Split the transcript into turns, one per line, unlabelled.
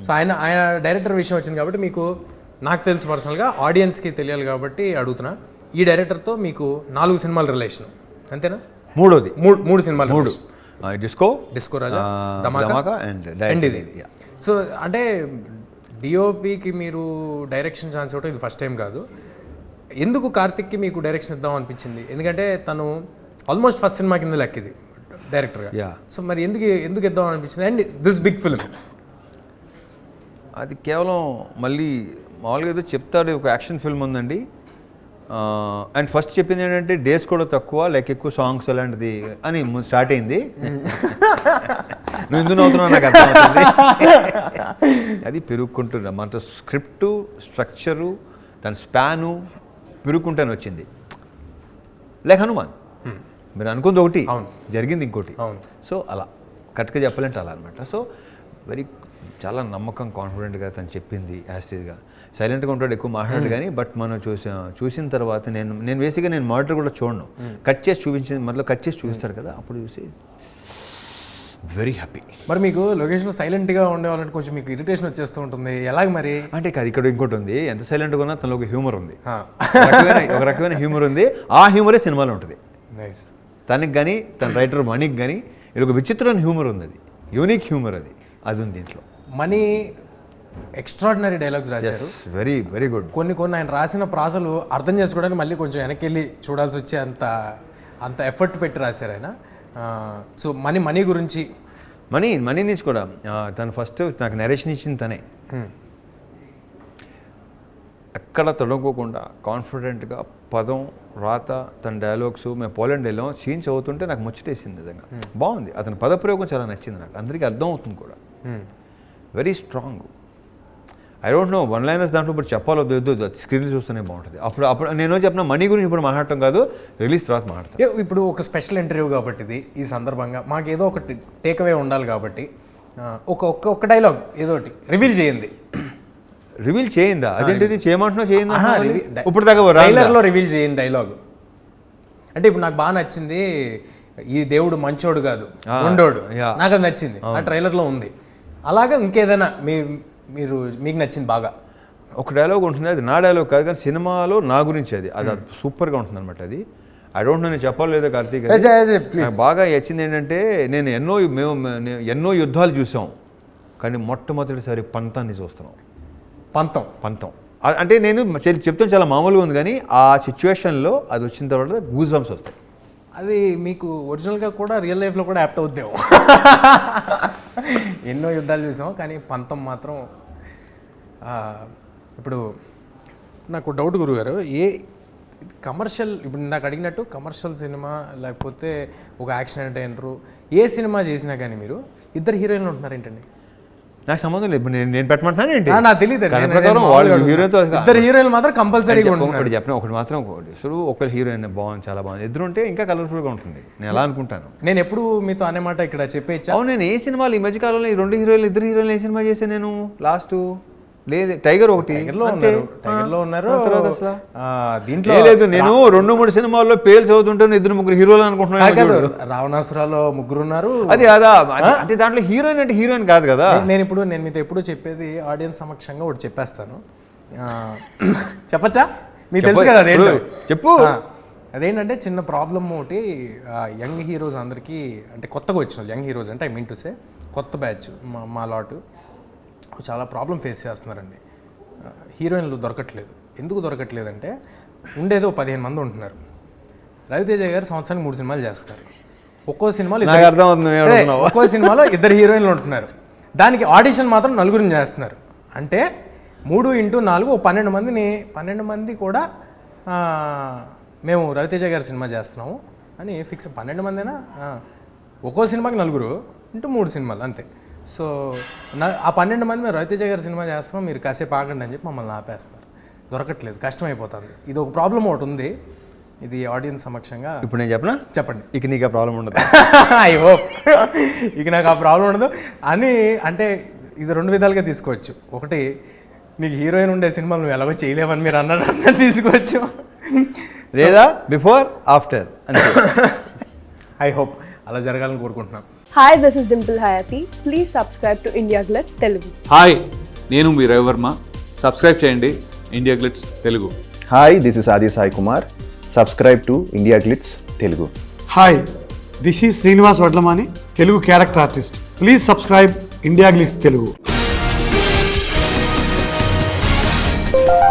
So ఆయన director విషయం వచ్చింది కాబట్టి మీకు, నాకు తెలుసు పర్సనల్గా, ఆడియన్స్కి తెలియాలి కాబట్టి అడుగుతున్నా. ఈ డైరెక్టర్తో మీకు 4 సినిమాల రిలేషన్ అంతేనా? మూడు సినిమాలు. డిస్కో రాజా, ధమాకా అండ్ ఇది. సో అంటే డిఓపికి మీరు డైరెక్షన్ ఛాన్స్ ఇవ్వటం ఇది ఫస్ట్ టైం కాదు. ఎందుకు కార్తిక్కి మీకు డైరెక్షన్ ఇద్దాం అనిపించింది? ఎందుకంటే తను ఆల్మోస్ట్ ఫస్ట్ సినిమా కింద లెక్కిది డైరెక్టర్గా. సో మరి ఎందుకు ఇద్దాం అనిపించింది? అండ్ దిస్ బిగ్ ఫిల్మ్
అది కేవలం మళ్ళీ మామూలుగా ఏదో చెప్తాడు, ఒక యాక్షన్ ఫిల్మ్ ఉందండి. అండ్ ఫస్ట్ చెప్పింది ఏంటంటే డేస్ కూడా తక్కువ, లైక్ ఎక్కువ సాంగ్స్ అలాంటిది అని స్టార్ట్ అయింది. నువ్వు ఎందుకు నవ్వుతున్నావు నాకు అర్థమవుతుంది. అది పెరుగుకుంటున్నా మన స్క్రిప్టు, స్ట్రక్చరు, దాని స్పాను పెరుగుకుంటాను వచ్చింది. లైక్ హనుమాన్, మీరు అనుకుంది ఒకటి, జరిగింది ఇంకోటి. సో అలా కరెక్ట్గా చెప్పాలంటే అలా అనమాట. సో చాలా నమ్మకం, కాన్ఫిడెంట్గా తను చెప్పింది యాస్టీజ్గా. సైలెంట్గా ఉంటాడు, ఎక్కువ మాట్లాడు కానీ, బట్ మనం చూసిన తర్వాత నేను బేసిక్గా నేను మానిటర్ కూడా చూడను, కట్ చేసి చూపిస్తాడు కదా, అప్పుడు చూసి వెరీ హ్యాపీ.
మరి మీకు లొకేషన్లో సైలెంట్గా ఉండేవాళ్ళంటే కొంచెం మీకు ఇరిటేషన్ వచ్చేస్తూ ఉంటుంది, ఎలాగ మరి?
అంటే అది ఇక్కడ ఇంకోటి ఉంది, ఎంత సైలెంట్గా ఉన్నా తనలో ఒక హ్యూమర్ ఉంది, ఒక రకమైన హ్యూమర్ ఉంది. ఆ హ్యూమరే సినిమాలో ఉంటుంది. తనకి కానీ తన రైటర్ మనీకి కానీ ఇది ఒక విచిత్రమైన హ్యూమర్ ఉంది, అది యూనిక్ హ్యూమర్, అది ఉంది దీంట్లో.
మనీ ఎక్స్ట్రాడినరీ డైలాగ్స్ రాశారు,
వెరీ గుడ్.
కొన్ని ఆయన రాసిన ప్రాసలు అర్థం చేసుకోవడానికి మళ్ళీ కొంచెం వెనక్కి వెళ్ళి చూడాల్సి వచ్చే అంత ఎఫర్ట్ పెట్టి రాశారు ఆయన. సో మనీ గురించి,
మనీ నుంచి కూడా తను ఫస్ట్ నాకు నరేషన్ ఇచ్చింది తనే. ఎక్కడ తొడగకుండా కాన్ఫిడెంట్గా పదం రాత తన డైలాగ్స్. మేము పోలాండ్ వెళ్ళాం, సీన్స్ అవుతుంటే నాకు ముచ్చటేసింది నిజంగా, బాగుంది. అతని పదప్రయోగం చాలా నచ్చింది నాకు, అందరికీ అర్థం అవుతుంది కూడా, very strong. I don't know one liners దాంట్లో ఇప్పుడు చెప్పాలొద్దు, స్క్రీన్ చూస్తూనే బాగుంటుంది. అప్పుడు నేను చెప్పిన మనీ గురించి ఇప్పుడు మాట్లాడటం కాదు, రిలీజ్ తర్వాత మాట్లాడతాను.
ఇప్పుడు ఒక స్పెషల్ ఇంటర్వ్యూ కాబట్టి ఇది, ఈ సందర్భంగా మాకు ఏదో ఒకటి టేక్అవే ఉండాలి కాబట్టి ఒక డైలాగ్ ఏదో ఒకటి రివీల్ చేయండి.
రివీల్ చేయిందా? అదేంటిది చేయమంటున్నావు? చేయిందా? ఇప్పుడు దాకా
ట్రైలర్లో రివీల్ చేయండి డైలాగ్. అంటే ఇప్పుడు నాకు బాగా నచ్చింది, ఈ దేవుడు మంచోడు కాదు ఉండోడు, నాకు అది నచ్చింది, ఆ ట్రైలర్లో ఉంది. అలాగా ఇంకేదైనా మీకు నచ్చింది బాగా
ఒక డైలాగ్ ఉంటుంది, అది నా డైలాగ్ కాదు కానీ సినిమాలో నా గురించి అది సూపర్గా ఉంటుంది అనమాట. అది ఐ డోంట్ నో, నేను చెప్పాలి లేదా కార్తీక్, బాగా నచ్చింది ఏంటంటే, మేము ఎన్నో యుద్ధాలు చూసాం కానీ మొట్టమొదటిసారి పంతాన్ని చూస్తున్నాం. పంతం అంటే నేను చెప్తాను చాలా మామూలుగా ఉంది కానీ ఆ సిచ్యువేషన్లో అది వచ్చిన తర్వాత గూస్ బంప్స్ వస్తాయి.
అది మీకు ఒరిజినల్గా కూడా రియల్ లైఫ్లో కూడా యాప్ట్ అవుద్దేమో. ఎన్నో యుద్ధాలు చూసాం కానీ పంతం మాత్రం. ఇప్పుడు నాకు డౌట్ గురుగారు, కమర్షియల్, ఇప్పుడు నాకు అడిగినట్టు కమర్షియల్ సినిమా లేకపోతే ఒక యాక్షన్ ఎంటర్టైనరు ఏ సినిమా చేసినా కానీ మీరు ఇద్దరు హీరోయిన్లు ఉంటున్నారు ఏంటండి?
నాకు సంబంధం లేదు, నేను పెట్టమంటున్నాను ఏంటి
నాకు తెలియదు. ఇద్దరు హీరోయిన్లు మాత్రం కంపల్సరీగా ఉంటుంది.
చెప్పిన ఒకటి మాత్రం, ఒకరి హీరోయిన్ బాగుంది, చాలా బాగుంది, ఇద్దరు ఉంటే ఇంకా కలర్ఫుల్గా ఉంటుంది, నేను ఎలా అనుకుంటాను.
నేను ఎప్పుడు మీతో అనే మాట ఇక్కడ చెప్పేచ్చా?
అవును, నేను ఏ సినిమాలు ఈ మధ్యకాలంలో ఈ 2 హీరోయిన్లు, ఇద్దరు హీరోయిన్లు ఏ సినిమా చేశాను నేను లాస్ట్? లేదు, టైగర్ ఒకటి,
టైగర్లో ఉన్నారు.
దీంట్లో లేదు, నేను 2-3 సినిమాల్లో పేరు చదువుతుంటే 2-3 హీరోలు అనుకుంటున్నాను.
రావణాసురాలో 3 ఉన్నారు.
అది అంటే దాంట్లో హీరోయిన్ అంటే హీరోయిన్ కాదు కదా.
నేను మీతో ఎప్పుడు చెప్పేది ఆడియన్స్ సమక్షంగా ఒకటి చెప్పేస్తాను, చెప్పచ్చా? మీకు తెలుసు కదా అదేంటో.
చెప్పు.
అదేంటంటే చిన్న ప్రాబ్లమ్ ఒకటి, యంగ్ హీరోస్ అందరికీ, అంటే కొత్తగా వచ్చిన యంగ్ హీరోస్ అంటే ఐ మీన్ టు సే కొత్త బ్యాచ్ మా లాటు చాలా ప్రాబ్లం ఫేస్ చేస్తున్నారండి. హీరోయిన్లు దొరకట్లేదు. ఎందుకు దొరకట్లేదంటే ఉండేదో 15 మంది ఉంటున్నారు. రవితేజ గారు సంవత్సరానికి 3 సినిమాలు చేస్తున్నారు. ఒక్కో సినిమాలో 2 హీరోయిన్లు ఉంటున్నారు. దానికి ఆడిషన్ మాత్రం 4 చేస్తున్నారు. అంటే 3x4 12 మంది కూడా మేము రవితేజ గారి సినిమా చేస్తున్నాము అని ఫిక్స్. 12 మందినా, ఒక్కో సినిమాకి 4 × 3 సినిమాలు అంతే. సో ఆ 12 మంది మేము రవితేజ గారి సినిమా చేస్తున్నాం, మీరు కాసేపు ఆగండి అని చెప్పి మమ్మల్ని ఆపేస్తున్నారు. దొరకట్లేదు, కష్టమైపోతుంది. ఇది ఒక ప్రాబ్లం ఒకటి ఉంది. ఇది ఆడియన్స్ సమక్షంగా
ఇప్పుడు నేను చెప్పనా?
చెప్పండి.
ఇక నీకు ఆ ప్రాబ్లం ఉండదు.
ఐ హోప్ ఇక నాకు ఆ ప్రాబ్లం ఉండదు అని. అంటే ఇది 2 విధాలుగా తీసుకోవచ్చు. ఒకటి, నీకు హీరోయిన్ ఉండే సినిమాలు నువ్వు ఎలాగో చేయలేవని మీరు అన్నట్టు తీసుకోవచ్చు,
లేదా బిఫోర్ ఆఫ్టర్.
ఐ హోప్ అలా జరగాలని కోరుకుంటున్నాను.
Hi, this is Dimple Hayati. Please subscribe to India Glitz Telugu.
Hi, నేను మీ రవివర్మ. సబ్స్క్రైబ్ చేయండి India Glitz Telugu.
Hi, this is Aadi Sai Kumar. Subscribe to India Glitz Telugu.
Hi, this is Srinivas Vadlamani, Telugu character artist. Please subscribe India Glitz Telugu.